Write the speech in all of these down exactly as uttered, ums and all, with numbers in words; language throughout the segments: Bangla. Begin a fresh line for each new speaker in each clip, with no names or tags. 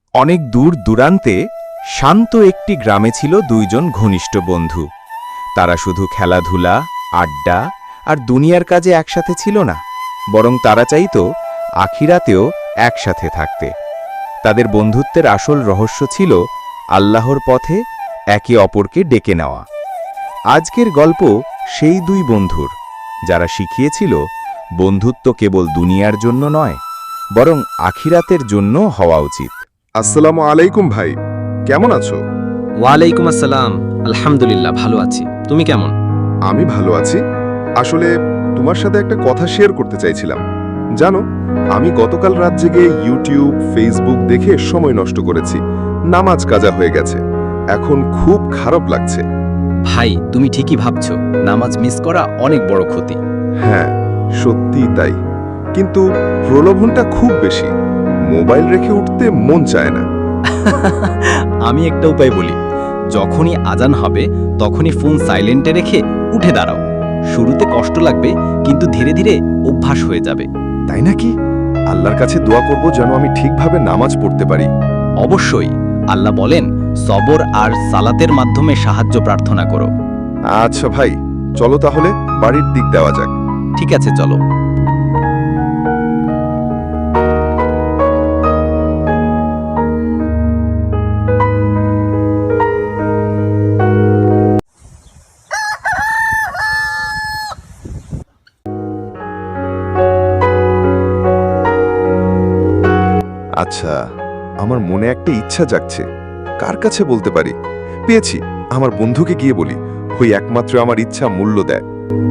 অনেক দূর দূরান্তে শান্ত একটি গ্রামে ছিল দুইজন ঘনিষ্ঠ বন্ধু। তারা শুধু খেলাধুলা, আড্ডা আর দুনিয়ার কাজে একসাথে ছিল না, বরং তারা চাইত আখিরাতেও একসাথে থাকতে। তাদের বন্ধুত্বের আসল রহস্য ছিল আল্লাহর পথে একে অপরকে ডেকে নেওয়া। আজকের গল্প সেই দুই বন্ধুর, যারা শিখিয়েছিল বন্ধুত্ব কেবল দুনিয়ার জন্য নয়, বরং আখিরাতের জন্য হওয়া উচিত।
আসসালামু আলাইকুম ভাই, কেমন আছো?
ওয়ালাইকুম আসসালাম। আলহামদুলিল্লাহ, ভালো আছি। তুমি কেমন?
আমি ভালো আছি। আসলে তোমার সাথে একটা কথা শেয়ার করতে চাইছিলাম। জানো, আমি গতকাল রাত জেগে ইউটিউব, ফেসবুক দেখে সময় নষ্ট করেছি। নামাজ কাজা হয়ে গেছে। এখন খুব খারাপ লাগছে।
ভাই, তুমি ঠিকই ভাবছো। নামাজ মিস করা অনেক বড় ক্ষতি।
হ্যাঁ, সত্যি তাই। কিন্তু প্রলোভনটা খুব বেশি। মোবাইল রেখে উঠতে মন চায় না।
আমি একটা উপায় বলি, যখনই আজান হবে তখনই ফোন সাইলেন্টে রেখে উঠে দাঁড়াও। শুরুতে কষ্ট লাগবে, কিন্তু ধীরে ধীরে অভ্যাস হয়ে যাবে।
তাই নাকি? আল্লাহর কাছে দোয়া করব যেন আমি ঠিকভাবে নামাজ পড়তে পারি।
অবশ্যই, আল্লাহ বলেন সবর আর সালাতের মাধ্যমে সাহায্য প্রার্থনা করো।
আচ্ছা ভাই, চলো তাহলে বাড়ির দিক দেওয়া যাক।
ঠিক আছে, চলো।
আচ্ছা, আমার মনে একটা ইচ্ছা জাগছে। কার কাছে বলতে পারি? পেয়েছি, আমার বন্ধুকে গিয়ে বলি। ওই একমাত্র আমার ইচ্ছা মূল্য দেয়।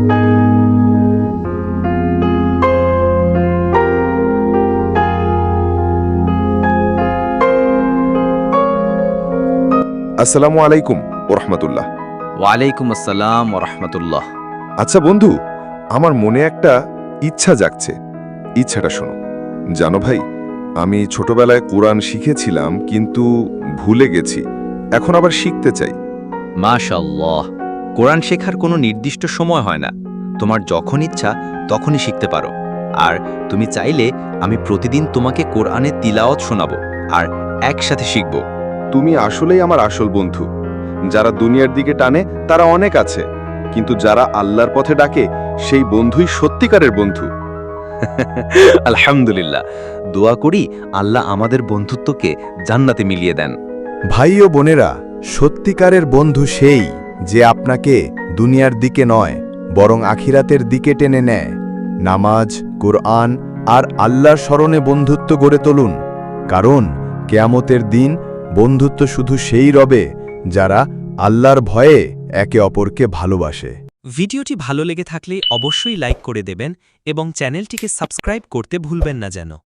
আসসালামু আলাইকুম ওরহমতুল্লাহ।
ওয়ালাইকুম আসসালাম ওরহমতুল্লাহ।
আচ্ছা বন্ধু, আমার মনে একটা ইচ্ছা জাগছে। ইচ্ছাটা শোনো। জানো ভাই, আমি ছোটবেলায় কোরআন শিখেছিলাম, কিন্তু ভুলে গেছি। এখন আবার শিখতে চাই।
মাশাআল্লাহ, কোরআন শেখার কোনো নির্দিষ্ট সময় হয় না। তোমার যখন ইচ্ছা তখনই শিখতে পারো। আর তুমি চাইলে আমি প্রতিদিন তোমাকে কোরআনের তিলাওয়াত শোনাবো, আর একসাথে শিখব।
তুমি আসলেই আমার আসল বন্ধু। যারা দুনিয়ার দিকে টানে তারা অনেক আছে, কিন্তু যারা আল্লাহর পথে ডাকে সেই বন্ধুই সত্যিকারের বন্ধু।
আলহামদুলিল্লাহ, দোয়া করি আল্লাহ আমাদের বন্ধুত্বকে জান্নাতে মিলিয়ে দেন।
ভাই ও বোনেরা, সত্যিকারের বন্ধু সেই যে আপনাকে দুনিয়ার দিকে নয়, বরং আখিরাতের দিকে টেনে নেয়। নামাজ, কোরআন আর আল্লাহর স্মরণে বন্ধুত্ব গড়ে তুলুন, কারণ কেয়ামতের দিন বন্ধুত্ব শুধু সেই রবে যারা আল্লাহর ভয়ে একে অপরকে ভালোবাসে।
ভিডিওটি ভালো লেগে থাকলে অবশ্যই লাইক করে দেবেন এবং চ্যানেলটিকে সাবস্ক্রাইব করতে ভুলবেন না যেন।